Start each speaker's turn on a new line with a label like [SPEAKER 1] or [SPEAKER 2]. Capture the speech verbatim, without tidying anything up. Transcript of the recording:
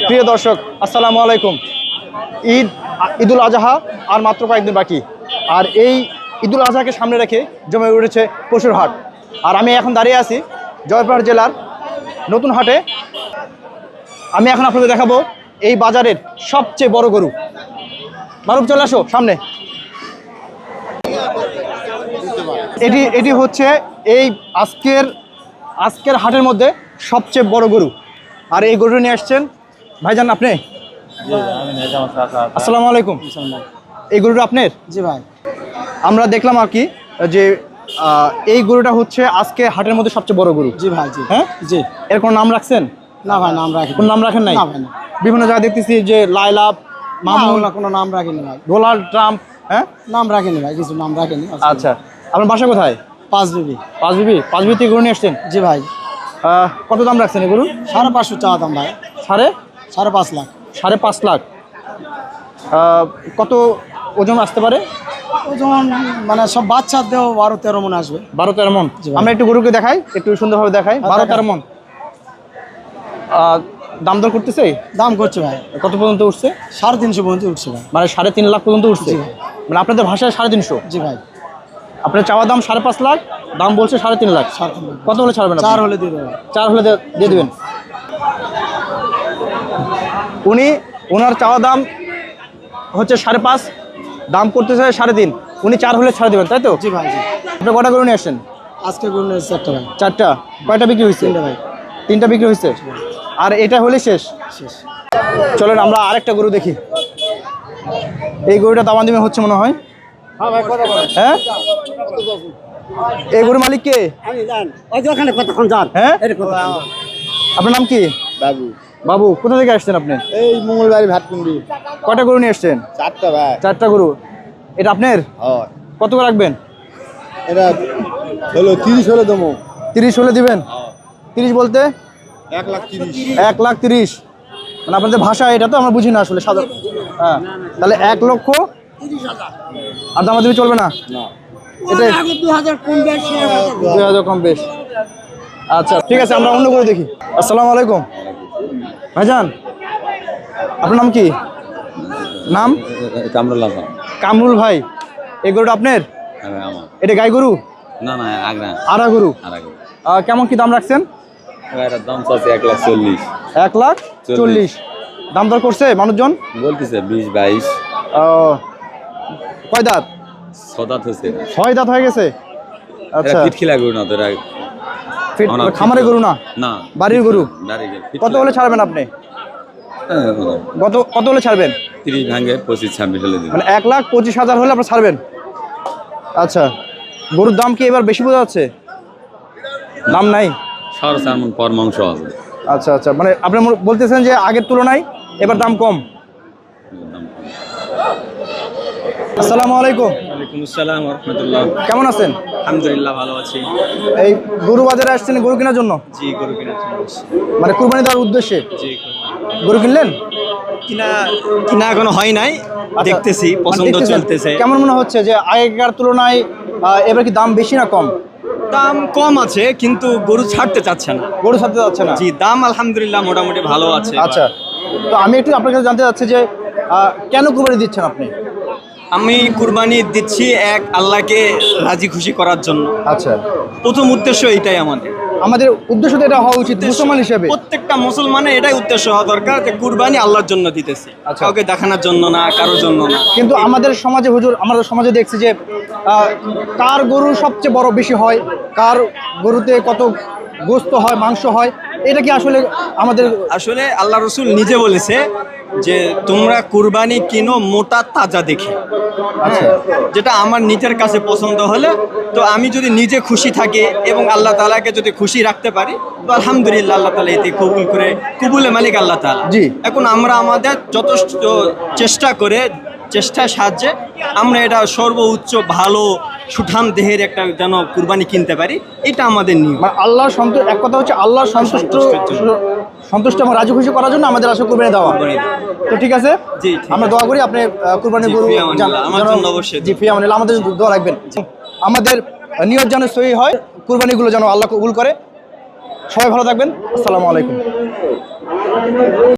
[SPEAKER 1] প্রিয় দর্শক আসসালামু আলাইকুম। ঈদ ঈদুল আজহা আর মাত্র কয়েকদিন বাকি, আর এই ঈদুল আজহাকে সামনে রেখে জমে উঠেছে পশুর হাট। আর আমি এখন দাঁড়িয়ে আছি জয়পুরহাট জেলার নতুন হাটে। আমি এখন আপনাদের দেখাবো এই বাজারের সবচেয়ে বড় গরু। মারুফ চলে আসো সামনে। এটি এটি হচ্ছে এই আজকের আজকের হাটের মধ্যে সবচেয়ে বড় গরু। আর এই গরু নিয়ে আসছেন ভাইজান আপনি? আসসালামু আলাইকুম। এই গরুটা আপনার?
[SPEAKER 2] জি ভাই।
[SPEAKER 1] আমরা দেখলাম আর কি যে এই গরুটা হচ্ছে আজকে হাটের মধ্যে সবচেয়ে বড় গরু।
[SPEAKER 2] জি ভাই। জি
[SPEAKER 1] হ্যাঁ
[SPEAKER 2] জি।
[SPEAKER 1] এর কোনো নাম রাখছেন?
[SPEAKER 2] না ভাই, নাম রাখি।
[SPEAKER 1] কোনো নাম রাখেন নাই?
[SPEAKER 2] না ভাই না।
[SPEAKER 1] বিভিন্ন জায়গায় দেখতেছি যে লাইলা মামুন,
[SPEAKER 2] কোনো নাম রাখিনি ভাই।
[SPEAKER 1] ডোনাল্ড ট্রাম্প, হ্যাঁ
[SPEAKER 2] নাম রাখিনি ভাই, কিছু নাম রাখিনি।
[SPEAKER 1] আচ্ছা, আপনার বাসা কোথায়?
[SPEAKER 2] পাঁচ বিবি।
[SPEAKER 1] পাঁচ বিবি? পাঁচ বিবি থেকে গরু নিয়ে আসছেন?
[SPEAKER 2] জি ভাই।
[SPEAKER 1] কত দাম রাখছেন এই গরু?
[SPEAKER 2] সাড়ে পাঁচশো চাওয়া দাম ভাই।
[SPEAKER 1] সাড়ে
[SPEAKER 2] সাড়ে পাঁচ লাখ।
[SPEAKER 1] সাড়ে পাঁচ লাখ। কত ওজন আসতে পারে?
[SPEAKER 2] ওজন মানে সব বাচ্চার দেহ বারো তেরো মন আসবে।
[SPEAKER 1] বারো তেরো মন। আমরা একটু গরুকে দেখাই, একটু সুন্দরভাবে দেখাই। বারো তেরো মন। দাম দর করতেছে?
[SPEAKER 2] দাম করছে ভাই।
[SPEAKER 1] কত পর্যন্ত উঠছে?
[SPEAKER 2] সাড়ে তিনশো পর্যন্ত উঠছে ভাই।
[SPEAKER 1] মানে সাড়ে তিন লাখ পর্যন্ত উঠছে? মানে আপনাদের ভাষায় সাড়ে তিনশো?
[SPEAKER 2] জি ভাই।
[SPEAKER 1] আপনার চাওয়া দাম সাড়ে পাঁচ লাখ, দাম বলছে সাড়ে তিন লাখ। কত হলে ছাড়বেন?
[SPEAKER 2] চার হলে দিয়ে দেবেন।
[SPEAKER 1] চার হলে দিয়ে দেবেন। উনি ওনার চাওয়া দাম হচ্ছে সাড়ে পাঁচ, দাম করতেছে সাড়ে তিন, উনি চার হলে ছাড়ে দেবেন, তাই তো?
[SPEAKER 2] জি ভাই। জি।
[SPEAKER 1] আপনি কটা গরু নিয়ে আসছেন?
[SPEAKER 2] আজকে গরু নিয়ে চারটা ভাই।
[SPEAKER 1] চারটা? কয়টা বিক্রি হয়েছে?
[SPEAKER 2] তিনটা ভাই।
[SPEAKER 1] তিনটা বিক্রি হয়েছে? আর এটা হলে শেষ?
[SPEAKER 2] শেষ।
[SPEAKER 1] চলেন আমরা আরেকটা গরু দেখি। এই গরুটা দাম দিমে হচ্ছে মনে হয়। হ্যাঁ, এই গরুর মালিক কে? হ্যাঁ, আপনার নাম কি?
[SPEAKER 2] বাবু।
[SPEAKER 1] বাবু, কোথা থেকে আসছেন আপনি?
[SPEAKER 2] এই মঙ্গলবাড়ি ভাতকুন্ডি।
[SPEAKER 1] কয়টা গরু নিয়ে আসছেন?
[SPEAKER 2] চারটা ভাই।
[SPEAKER 1] চারটা গরু। এটা আপনার?
[SPEAKER 2] হয়।
[SPEAKER 1] কত করে রাখবেন?
[SPEAKER 2] এটা হলো তিরিশ হলে দেবো।
[SPEAKER 1] তিরিশ হলে দিবেন? তিরিশ বলতে?
[SPEAKER 2] এক লাখ তিরিশ।
[SPEAKER 1] এক লাখ তিরিশ। মানে আপনাদের ভাষা এটা তো আমরা বুঝি না আসলে সাধারণ। হ্যাঁ, তাহলে এক লক্ষ আর দামাদামি চলবে না? এটাই দুই হাজার কম বেশ। আচ্ছা ঠিক আছে, আমরা অন্য করে দেখি। আসসালামু আলাইকুম ভাইজান, আপনার নাম কি? নাম?
[SPEAKER 3] কামরুল।
[SPEAKER 1] কামরুল ভাই, এই গরুটা আপনার? এটা গাই গরু?
[SPEAKER 3] না না, আগরা
[SPEAKER 1] আড়া গরু।
[SPEAKER 3] আড়া।
[SPEAKER 1] কেমন কি দাম রাখছেন?
[SPEAKER 3] এটার দাম চাচ্ছে এক লাখ চল্লিশ।
[SPEAKER 1] এক লাখ চল্লিশ। দাম দর করছে মানুষজন?
[SPEAKER 3] বলতেছে বিশ বাইশ।
[SPEAKER 1] ও, কয় দাঁত?
[SPEAKER 3] ছয় দাঁত হয়েছে।
[SPEAKER 1] ছয় দাঁত হয়ে গেছে? আচ্ছা,
[SPEAKER 3] পিটখিলা গরু না তোরা?
[SPEAKER 1] খামারে গরু না,
[SPEAKER 3] না
[SPEAKER 1] বাড়ির গরু। কত হলে ছাড়বেন আপনি? কত কত হলে ছাড়বেন?
[SPEAKER 3] তিরিশ ভাঙে পঁচিশ ছাব্বিশ হলে দিবেন।
[SPEAKER 1] মানে এক লাখ পঁচিশ হাজার হলে আপনার ছাড়বেন? আচ্ছা, গরুর দাম কি এবার বেশি বোঝা যাচ্ছে? দাম নাই?
[SPEAKER 3] সাড়ে চার মণ পর মাংস হবে।
[SPEAKER 1] আচ্ছা আচ্ছা, মানে আপনি বলতেছেন যে আগের তুলনায় এবার দাম কম। আসসালামু আলাইকুম।
[SPEAKER 4] ওয়ালাইকুম আসসালাম ওয়া রাহমাতুল্লাহ।
[SPEAKER 1] কেমন আছেন?
[SPEAKER 4] আলহামদুলিল্লাহ ভালো আছি।
[SPEAKER 1] এই গরু বাজারে আসছেন গরু কেনার জন্য?
[SPEAKER 4] জি, গরু কেনার জন্য আসছি।
[SPEAKER 1] মানে কুরবানি দেওয়ার উদ্দেশ্যে?
[SPEAKER 4] জি।
[SPEAKER 1] গরু কিনলেন?
[SPEAKER 4] কিনা কিনা এখনো হয় নাই, দেখতেছি, পছন্দ চলতেছে।
[SPEAKER 1] কেমন মনে হচ্ছে যে আগেকার তুলনায় এবার কি দাম বেশি না কম?
[SPEAKER 4] দাম কম আছে কিন্তু গরু ছাড়তে চাচ্ছে না।
[SPEAKER 1] গরু ছাড়তে যাচ্ছে না?
[SPEAKER 4] জি, দাম আলহামদুলিল্লাহ মোটামুটি ভালো আছে।
[SPEAKER 1] আচ্ছা, তো আমি একটু আপনার কাছে জানতে চাচ্ছি যে কেন কুরবানি দিচ্ছেন আপনি?
[SPEAKER 4] আমি কুরবানি দিচ্ছি এক আল্লাহকে রাজি খুশি করার জন্য।
[SPEAKER 1] আচ্ছা,
[SPEAKER 4] প্রথম উদ্দেশ্য এটাই আমাদের।
[SPEAKER 1] আমাদের উদ্দেশ্য তো এটা হওয়া উচিত মুসলমান হিসেবে।
[SPEAKER 4] প্রত্যেকটা মুসলমানের এটাই উদ্দেশ্য হওয়া দরকার যে কুরবানি আল্লাহর জন্য দিতেছি, কাউকে দেখানোর জন্য না, কারোর জন্য না।
[SPEAKER 1] কিন্তু আমাদের সমাজে হুজুর, আমাদের সমাজে দেখছি যে কার গরু সবচেয়ে বড় বেশি হয়, কার গরুতে কত গোস্ত হয়, মাংস হয়, এটা কি আসলে আমাদের? আসলে
[SPEAKER 4] আল্লাহ রসুল নিজে বলেছে যে তোমরা কুরবানি কিনো মোটা তাজা দেখে।
[SPEAKER 1] আচ্ছা,
[SPEAKER 4] যেটা আমার নিজের কাছে পছন্দ হলে, তো আমি যদি নিজে খুশি থাকি এবং আল্লাহ তাআলাকে যদি খুশি রাখতে পারি, তো আলহামদুলিল্লাহ আল্লাহ তাআলা এতে কবুল করে, কবুলে মালিক আল্লাহ তাআলা।
[SPEAKER 1] জি।
[SPEAKER 4] এখন আমরা আমাদের যথেষ্ট চেষ্টা করে, চেষ্টার সাহায্যে আমরা এটা সর্বোচ্চ ভালো সুঠাম দেহের একটা যেন কুরবানি কিনতে পারি, এটা আমাদের নিয়ম। আল্লাহর সন্তুষ্ট, এক কথা হচ্ছে আল্লাহর সন্তুষ্ট সন্তুষ্ট এবং রাজি খুশি করার জন্য আমাদের আসলে কুরবানি দেওয়া। তো ঠিক আছে, জি,
[SPEAKER 1] আমরা দোয়া করি আপনি কুরবানি গরু
[SPEAKER 4] আমার জন্য অবশ্যই।
[SPEAKER 1] জি, ফিয়া আমাদের আমাদের দোয়া রাখবেন। আমাদের নিয়ত যেন সহি হয়, কুরবানিগুলো যেন আল্লাহ কবুল করে। সবাই ভালো থাকবেন। আসসালামু আলাইকুম।